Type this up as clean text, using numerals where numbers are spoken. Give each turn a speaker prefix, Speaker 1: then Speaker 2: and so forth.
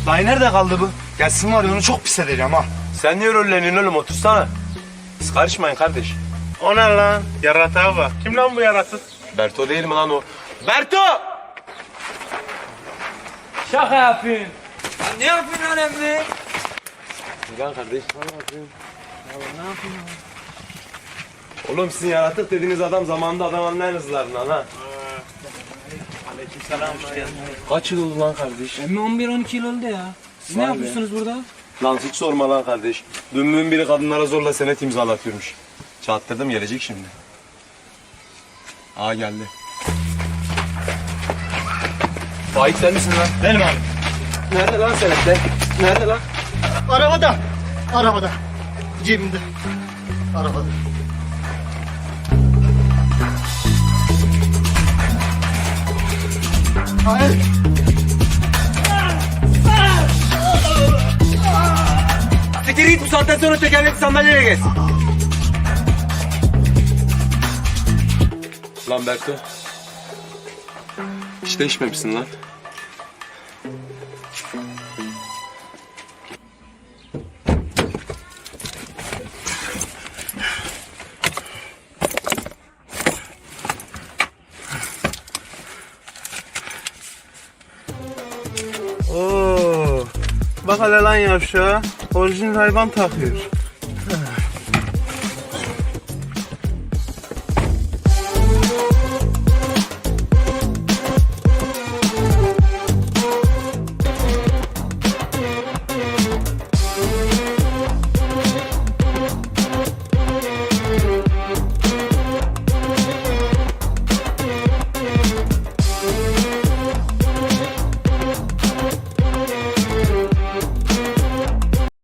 Speaker 1: Dayı nerede kaldı bu? Gelsin var ya onu çok pis edeceğim ha.
Speaker 2: Sen niye rolleniyorsun oğlum, otursana. Siz karışmayın kardeş.
Speaker 3: O ne lan? Yaratığa bak. Kim lan bu yaratık?
Speaker 2: Berto değil mi lan o? Berto!
Speaker 4: Şaka yapıyorsun. Ne yapıyorsun lan Emre?
Speaker 2: Lan kardeş. Oğlum sizin yaratık dediğiniz adam zamanında adam anlayan hızlarından ha. Kaç yıl oldu lan kardeş?
Speaker 4: Emre 11-12 yıl oldu ya. Siz ne
Speaker 2: Vay be.
Speaker 4: yapıyorsunuz burada?
Speaker 2: Lan hiç sorma lan kardeş. Dümbün biri kadınlara zorla senet imzalatıyormuş. Çattırdım, gelecek şimdi. Aa geldi. Faik sen misin lan?
Speaker 1: Benim abi.
Speaker 2: Nerede lan senetler? Nerede lan?
Speaker 1: Arabada. Arabada. Cebimde. Arabada. Hayır.
Speaker 2: Siktir git, bu saatten sonra tekerlekli sandalyeye geç. Lan Berto. Hiç değişmemişsin lan.
Speaker 3: Oo. Bak hele lan yavşağa. Orijinal hayvan takıyor.